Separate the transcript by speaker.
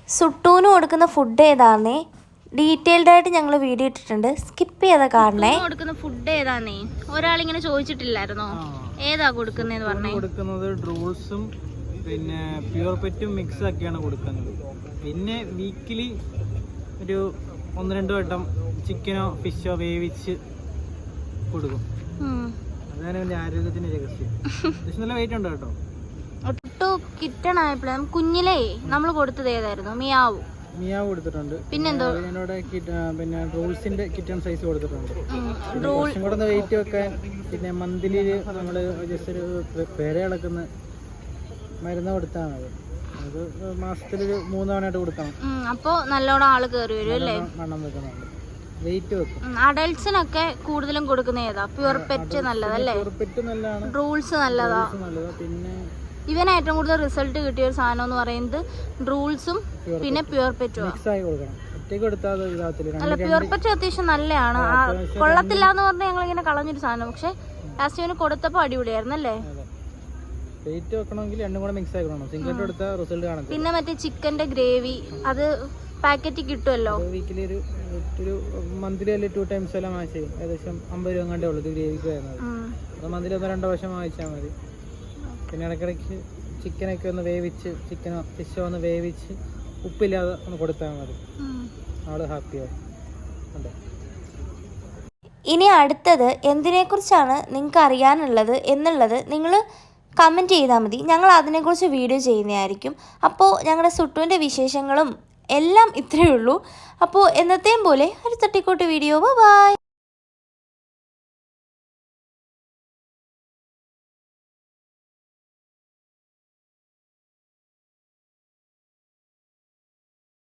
Speaker 1: സുട്ടൂന് കൊടുക്കുന്ന food ഏതാന്നേ detailed ആയിട്ട് ഞങ്ങൾ വീഡിയോ ഇട്ടിട്ടുണ്ട്, സ്കിപ്പ് ചെയ്ത കാണണേ.
Speaker 2: കൊടുക്കുന്ന ഫുഡ് ഏതാന്നേ ഒരാളിങ്ങനെ ചോദിച്ചിട്ടില്ലായിരുന്നോ? ഏതാ കൊടുക്കുന്നതെന്ന് പറഞ്ഞേ.
Speaker 3: കൊടുക്കുന്നത് ഡ്രൂൾസും പിന്നെ പ്യൂർ പെറ്റും മിക്സ് ആക്കിയാണ് കൊടുക്കുന്നത്. പിന്നെ വീക്കിലി ഒരു 1-2 വട്ടം ചിക്കനോ ഫിഷോ വേവിച്ച് കൊടുക്കും. അതാണ് എൻ്റെ ആരോഗ്യത്തിന്റെ രഹസ്യം. നല്ല വെയിറ്റ് ഉണ്ട് കേട്ടോ.
Speaker 2: ഒട്ടു കിട്ടണായപ്പോഴും കുഞ്ഞിലേ നമ്മൾ കൊടുത്തത് ഏതായിരുന്നു? മിയാവു
Speaker 3: കൊടുത്തിട്ടുണ്ട്.
Speaker 2: പിന്നെന്തോ
Speaker 3: പിന്നെ റൂൾസിന്റെ കിറ്റൺ സൈസ് കൊടുത്തിട്ടുണ്ട്. കുറച്ചും കൂടെ വെയിറ്റ് വെക്കാൻ പിന്നെ മന്ത്ലി നമ്മള് ജസ്റ്റ് ഒരു പേര ഇളക്കുന്ന മരുന്ന് കൊടുത്താണ്. അത് മാസത്തിലൊരു 3 തവണയായിട്ട് കൊടുക്കണം.
Speaker 2: അപ്പൊ നല്ലോണം ആള് കയറി വരും അല്ലേ?
Speaker 3: വണ്ണം വെക്കുന്നുണ്ട്, വെയിറ്റ് വെക്കും.
Speaker 2: അഡൽട്സിനൊക്കെ കൂടുതലും കൊടുക്കുന്ന ഏതാ? പ്യൂർ പെറ്റ് നല്ലതല്ലേ?
Speaker 3: പ്യൂർ പെറ്റ് നല്ലതാണ്.
Speaker 2: റൂൾസ് നല്ലതാ.
Speaker 3: പിന്നെ
Speaker 2: ഇവന് ഏറ്റവും കൂടുതൽ റിസൾട്ട് കിട്ടിയ ഒരു സാധനം എന്ന് പറയുന്നത് റൂൾസും പിന്നെ പ്യൂർ പെറ്റും. അല്ല, പ്യൂർ പെറ്റ് അത്യാവശ്യം നല്ലതാണ്. കൊള്ളത്തില്ല എന്ന് പറഞ്ഞാൽ ഞങ്ങൾ ഇങ്ങനെ കളഞ്ഞൊരു സാധനം. പക്ഷെ ലാസ്റ്റ് ഇവന് കൊടുത്തപ്പോ അടിപൊളിയായിരുന്നു അല്ലേ? പിന്നെ മറ്റേ ചിക്കന്റെ ഗ്രേവി അത് പാക്കറ്റ് കിട്ടുമല്ലോ.
Speaker 3: മന്ത്ലി 2 ടൈംസ് എല്ലാം വാങ്ങിച്ചു ഏകദേശം 50 രൂപ കണ്ടേ ഉള്ളൂ ഗ്രേവിക്ക് വരുന്നത്. മന്ത്ലി 1-2 പ്രാവശ്യം വാങ്ങിച്ചാൽ മതി. പിന്നെ ഇടയ്ക്കിടയ്ക്ക് ചിക്കനൊക്കെ ഒന്ന് വേവിച്ച്, ചിക്കനോ ഫിഷോ ഒന്ന് വേവിച്ച് ഉപ്പില്ലാതെ ഒന്ന് കൊടുത്താൽ മതി. ആള് ഹാപ്പിയാവും.
Speaker 1: ഇനി അടുത്തത് എന്തിനെക്കുറിച്ചാണ് നിങ്ങൾക്ക് അറിയാനുള്ളത് എന്നുള്ളത് നിങ്ങൾ കമൻറ്റ് ചെയ്താൽ മതി. ഞങ്ങൾ അതിനെക്കുറിച്ച് വീഡിയോ ചെയ്യുന്നതായിരിക്കും. അപ്പോൾ ഞങ്ങളുടെ സുട്ടുവിൻ്റെ വിശേഷങ്ങളും എല്ലാം ഇത്രയേ ഉള്ളൂ. അപ്പോൾ എന്നത്തെയും പോലെ ഒരു തട്ടിക്കൂട്ട് വീഡിയോ. ബൈ.